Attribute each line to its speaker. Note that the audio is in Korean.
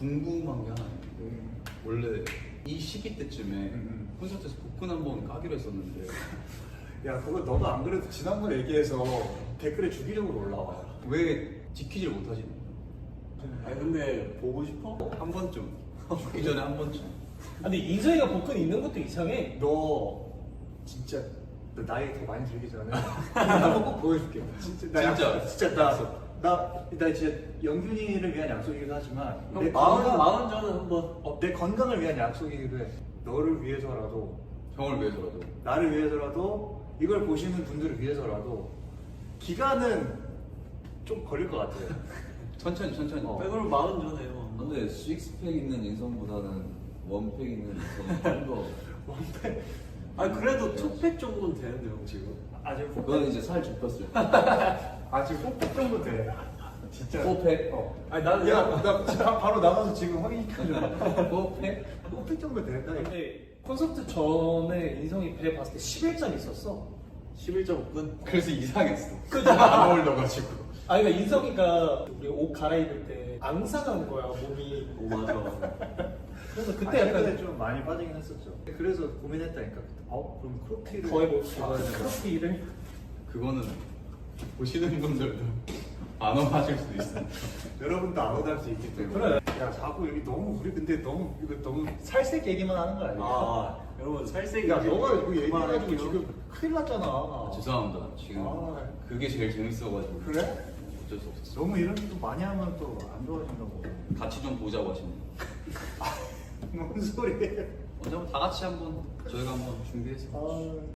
Speaker 1: 궁금한 게 하나 있는데 원래 이 시기 때쯤에 콘서트에서 복근 한번 까기로 했었는데
Speaker 2: 야 그거 너도 안 그래도 지난번에 얘기해서 댓글에 주기적으로 올라와.
Speaker 1: 왜 지키질 못하지?
Speaker 3: 아니 근데 보고 싶어?
Speaker 1: 한 번쯤 죽기 전에 한 번쯤.
Speaker 4: 근데 인성이가 복근 있는 것도 이상해.
Speaker 2: 너 진짜 너 나이 더 많이 들기 전에 한번 꼭 보여줄게. 진짜 나
Speaker 1: 진짜?
Speaker 2: 약속, 진짜 나 진짜 영균이를 위한 약속이기도 하지만
Speaker 3: 형 마흔 전에 한번
Speaker 2: 내 건강을 위한 약속이기도 해. 너를 위해서라도
Speaker 1: 형을 위해서라도.
Speaker 2: 나를 위해서라도 이걸 보시는 분들을 위해서라도 기간은 좀 걸릴 것 같아요.
Speaker 1: 천천히.
Speaker 3: 백으로 마흔 전에요.
Speaker 5: 근데 식스팩 있는 인성보다는 원팩 있는 인성이 좀더
Speaker 3: 아니 그래도 투팩 정도는 되는데 형 지금.
Speaker 2: 아직
Speaker 5: 그건 이제 살 좁혔을 때
Speaker 2: 아직 뽀뽀 정도 돼. 진짜.
Speaker 5: 뽀팩?
Speaker 2: 아니 나 진짜 바로 나가서 지금 확인시켜줘.
Speaker 5: 뽀팩?
Speaker 2: 뽀뽀 정도 된다. 이거.
Speaker 4: 근데 콘서트 전에 인성이 배 봤을 때 11점 있었어.
Speaker 3: 11.5근?
Speaker 1: 그래서 이상했어.
Speaker 4: 그죠?
Speaker 1: 안 어울려가지고.
Speaker 4: 아니 그러니까 인성이가 우리 옷 갈아입을 때 앙상한 거야 몸이.
Speaker 3: 오 맞아.
Speaker 4: 그래서
Speaker 2: 그때
Speaker 4: 그때
Speaker 2: 약간
Speaker 4: 약간
Speaker 2: 좀 많이 빠지긴 했었죠. 그래서 고민했다니까. 그럼 크롭티를
Speaker 4: 거의 뭐
Speaker 2: 입어야 되나?
Speaker 4: 크로피를
Speaker 1: 그거는 보시는 분들도 안 어하실 수도 있어.
Speaker 2: 여러분도 안 오달 수 있기 때문에.
Speaker 4: 그래.
Speaker 2: 야 자꾸 여기 너무 우리 근데 너무 이거 너무 살색 얘기만 하는 거 아니야?
Speaker 3: 여러분 살색이.
Speaker 2: 야 너가 이거 얘기해가지고
Speaker 3: 그만할게요.
Speaker 2: 지금 큰일 났잖아.
Speaker 1: 죄송합니다. 지금
Speaker 2: 아.
Speaker 1: 그게 제일 재밌어가지고.
Speaker 2: 그래?
Speaker 1: 어쩔 수 없었어.
Speaker 2: 너무 이런 거 많이 하면 또 안 좋아진다고.
Speaker 1: 같이 좀 보자고 하시네.
Speaker 2: 뭔 소리야?
Speaker 1: 언제 한번 다 같이 한번 저희가 한번 준비해서.
Speaker 2: 아.